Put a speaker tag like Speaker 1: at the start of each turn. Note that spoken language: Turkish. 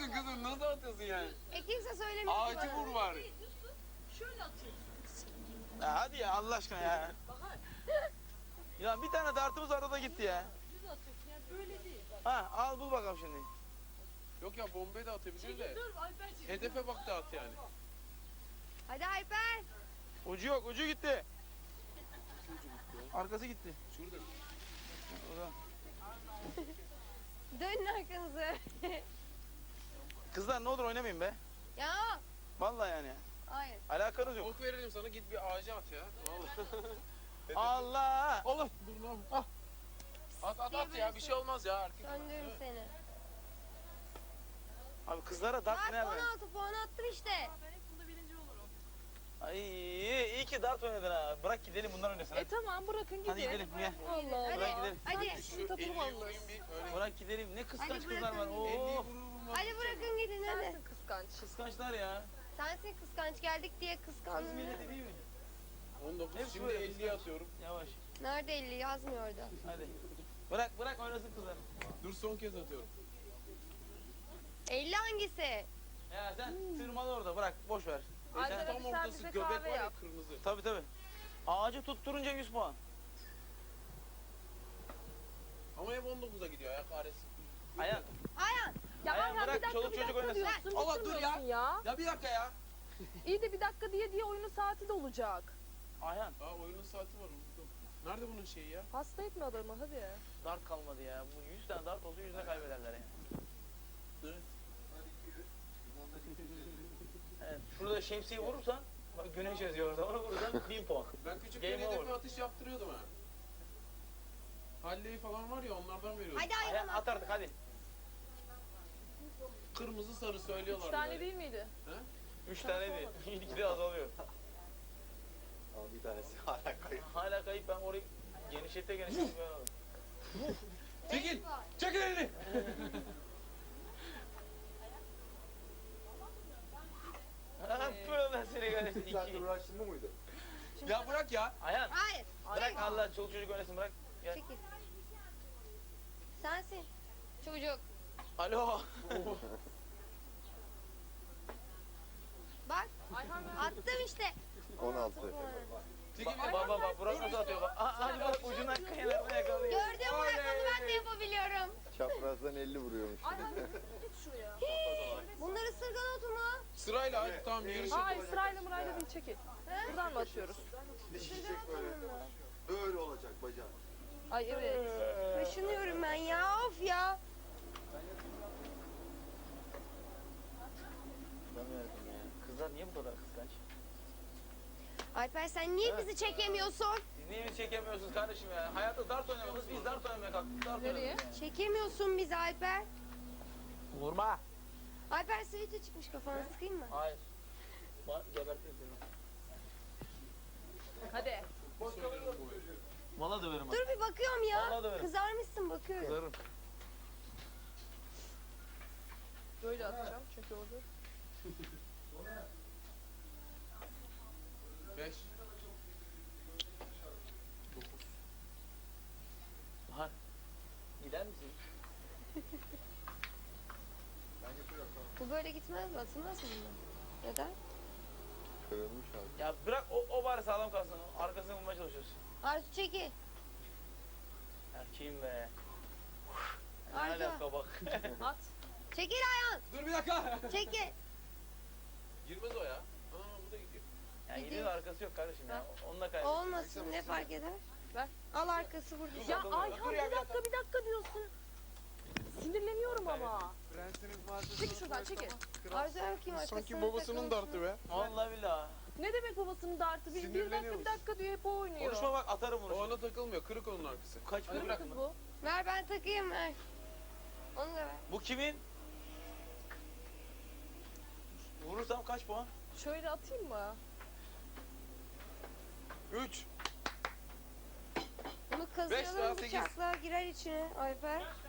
Speaker 1: atıyorsun kızım? Nasıl atıyorsun yani?
Speaker 2: Kimse söylemiyor ki
Speaker 1: Ağacı
Speaker 2: bana.
Speaker 1: vur bari.
Speaker 3: Şöyle atıyorsun.
Speaker 4: Ya hadi ya Allah aşkına ya.
Speaker 3: Bahar.
Speaker 4: Ya bir tane dartımız arada da gitti ya.
Speaker 3: Düz atıyorsun ya böyle değil. Bak.
Speaker 4: Ha al bul bakalım şimdi.
Speaker 1: Yok ya bombayı da atabilir de.
Speaker 3: Dur Alper çekil.
Speaker 1: Hedefe bak da at yani.
Speaker 2: Hadi Alper.
Speaker 4: Ucu yok, ucu gitti. Arkası gitti.
Speaker 1: Şurada.
Speaker 4: Oradan.
Speaker 2: Dönün arkanızı.
Speaker 4: Kızlar ne olur oynamayın be.
Speaker 2: Ya.
Speaker 4: Vallahi yani.
Speaker 2: Hayır.
Speaker 4: Alakanız yok.
Speaker 1: Ok verelim sana, git bir ağaca at ya. Vallahi.
Speaker 4: Allah!
Speaker 1: Allah dur lan. Ah. At ya, bir şey olmaz ya. Erkek.
Speaker 2: Söndürürüm seni.
Speaker 4: Abi kızlara dart
Speaker 2: Bak
Speaker 4: nerede?
Speaker 2: 16 puan attım işte.
Speaker 3: Ben hep bunda birinci olurum.
Speaker 4: Ay iyi ki dart oynadın ha. Bırak gidelim bunlar oynasın. Hadi,
Speaker 3: Tamam bırakın gidin.
Speaker 4: hadi gidelim gel.
Speaker 3: Allah Allah.
Speaker 4: Bırak gidelim.
Speaker 2: Hadi.
Speaker 1: Şu 50'yi vurayım bir öyle.
Speaker 4: Bırak gidelim. Ne kıskanç
Speaker 2: Hadi
Speaker 4: kızlar var.
Speaker 2: bırakın.
Speaker 1: 50'yi
Speaker 4: Oo.
Speaker 1: vururum.
Speaker 2: Hadi bırakın gidin hadi.
Speaker 3: Sensin kıskanç.
Speaker 4: Kıskançlar ya.
Speaker 2: Sensin kıskanç geldik diye
Speaker 4: Kız
Speaker 2: kıskandın.
Speaker 4: milleti değil mi?
Speaker 1: 19.
Speaker 4: Hepsi
Speaker 1: Şimdi
Speaker 4: böyle
Speaker 1: 50'ye atıyorum.
Speaker 4: Yavaş.
Speaker 2: Nerede 50 yazmıyor orada.
Speaker 4: Hadi. Bırak oynasın kızlar.
Speaker 1: Dur son kez atıyorum.
Speaker 2: 50 hangisi?
Speaker 4: Ya sen tırmalı orada bırak boş ver.
Speaker 3: Ay,
Speaker 4: Sen,
Speaker 3: ben-
Speaker 1: Tam
Speaker 3: sen
Speaker 1: ortası
Speaker 3: bize
Speaker 1: göbek
Speaker 3: kahve
Speaker 1: var ya,
Speaker 3: yap.
Speaker 1: kırmızı.
Speaker 4: tabii. Ağacı tutturunca 100 puan.
Speaker 1: Ama hep 19'a gidiyor ya, kahretsin.
Speaker 4: Ayan.
Speaker 2: Ayhan.
Speaker 3: Ya
Speaker 4: Ayhan,
Speaker 3: Ayhan
Speaker 4: bırak,
Speaker 3: bir dakika
Speaker 4: çoluk
Speaker 3: bir
Speaker 4: çocuk
Speaker 3: dakika
Speaker 4: oynasın.
Speaker 3: diyorsun.
Speaker 1: Allah, dur
Speaker 3: bitirmiyorsun ya.
Speaker 1: Ya bir dakika ya.
Speaker 3: İyi de bir dakika diye oyunun saati de olacak.
Speaker 4: Ayhan.
Speaker 1: Aa, oyunun saati var, unuttum. Nerede bunun şeyi ya?
Speaker 3: Hasta etme adamı hadi.
Speaker 4: Dart kalmadı ya. Bu 100 tane dart olsa 100'e kaybederler yani.
Speaker 1: Evet.
Speaker 4: Evet. Şurada şemsiye vurursan bak güneş yazıyor orada. Onu vurursan 1000 puan.
Speaker 1: Ben küçükken
Speaker 4: Game
Speaker 1: hedefe
Speaker 4: over.
Speaker 1: atış yaptırıyordum ha. Halley falan var ya, onlardan veriyordum.
Speaker 2: Hadi
Speaker 4: Ayhan
Speaker 2: Ayhan.
Speaker 4: at artık hadi.
Speaker 1: Kırmızı sarı söylüyorlar.
Speaker 3: 3 tane
Speaker 1: böyle.
Speaker 3: değil miydi?
Speaker 1: He?
Speaker 4: 3 tane değil. İlk de azalıyor.
Speaker 5: Ama bir tanesi hala kayıp.
Speaker 4: Hala kayıp ben orayı genişlete
Speaker 1: Çekil! Çekil elini!
Speaker 4: Böyle seni kardeşim.
Speaker 5: Bir saattir uğraştın mı mıydı?
Speaker 1: Ya bırak ya.
Speaker 4: Ayhan
Speaker 2: Hayır.
Speaker 4: bırak Allah çoluk çocuk oynasın bırak. Gel.
Speaker 2: Çekil. Sensin. Çocuk.
Speaker 4: Alo.
Speaker 2: Bak
Speaker 3: Ayhan ver.
Speaker 2: attım işte.
Speaker 5: 16.
Speaker 1: Çekil ya.
Speaker 4: Bak Burak nasıl atıyor bak. Hadi bak ucundan kenarına yakalıyor.
Speaker 2: Gördün mü bak onu ben de yapabiliyorum.
Speaker 5: Çaprazdan 50 vuruyormuş.
Speaker 3: Ayhan git şuraya.
Speaker 2: Bunlar ısırgan otu mu?
Speaker 1: Sırayla hadi, tamam yarış
Speaker 3: Hayır
Speaker 1: yapalım.
Speaker 3: sırayla mırayla değil çekil. Buradan mı atıyoruz?
Speaker 5: Dişecek böyle. Böyle olacak bacağın.
Speaker 3: Ay evet.
Speaker 2: Kaşınıyorum ben ya of ya.
Speaker 4: Kızlar niye bu kadar kıskanç?
Speaker 2: Alper sen niye bizi çekemiyorsun?
Speaker 4: Siz niye bizi çekemiyorsunuz kardeşim ya? Hayatta dart oynamadınız, biz dart oynamaya kalktık. Dart
Speaker 3: Nereye?
Speaker 4: oynadık yani.
Speaker 2: Çekemiyorsun bizi Alper.
Speaker 4: Vurma.
Speaker 2: Alper sivilce çıkmış kafana sıkayım mı?
Speaker 4: Hayır. Gebertirim seni.
Speaker 3: Hadi.
Speaker 4: Valla döverim bak.
Speaker 2: Dur bir bakıyorum ya.
Speaker 4: Vallahi döverim.
Speaker 2: Kızarmışsın bakıyorum.
Speaker 4: Kızarım.
Speaker 3: Böyle atacağım çünkü orada.
Speaker 1: 5.
Speaker 4: Bahar. Gider misin?
Speaker 2: Bu böyle gitmez mi? Atılmaz mı bundan? Neden?
Speaker 5: Kırılmış abi.
Speaker 4: Ya bırak o bari sağlam kalsın. Arkasını bulmaya çalışıyorsun.
Speaker 2: Arzu çekil.
Speaker 4: Erkeğim be. Ne
Speaker 2: Arda.
Speaker 4: alaka bak.
Speaker 3: At.
Speaker 2: Çekil Ayhan.
Speaker 1: Dur bir dakika.
Speaker 2: Çekil.
Speaker 1: Girmez o ya. Aa, bu da gidiyor.
Speaker 4: Yani
Speaker 2: Gidiyor.
Speaker 4: gidiyor da arkası yok kardeşim ya. Onunla kaybettim.
Speaker 2: Olmasın ne fark eder?
Speaker 3: Ver.
Speaker 2: Al arkası burada.
Speaker 3: Ya
Speaker 4: bakalım.
Speaker 3: Ayhan
Speaker 1: Dur ya,
Speaker 3: bir dakika diyorsun. Sinirleniyorum ama. Çekil şuradan çekil.
Speaker 2: Arzu bakayım arkasına.
Speaker 1: Sanki babasının dartı be.
Speaker 4: Vallahi billahi.
Speaker 3: Ne demek babasının dartı? Bir dakika diyor hep o oynuyor.
Speaker 4: Konuşma bak atarım bunu.
Speaker 1: O ona takılmıyor. Kırık onun arkası.
Speaker 4: Kaç
Speaker 1: Hadi
Speaker 4: para?
Speaker 1: bırak.
Speaker 3: Kız bu.
Speaker 2: Ver ben takayım ver. Onu da ver.
Speaker 4: Bu kimin? Vurursam kaç puan?
Speaker 3: Şöyle atayım mı?
Speaker 1: 3.
Speaker 2: Bunu
Speaker 1: Beş daha
Speaker 2: kazıyalım
Speaker 1: sekiz.
Speaker 2: bıçakla girer içine Alper.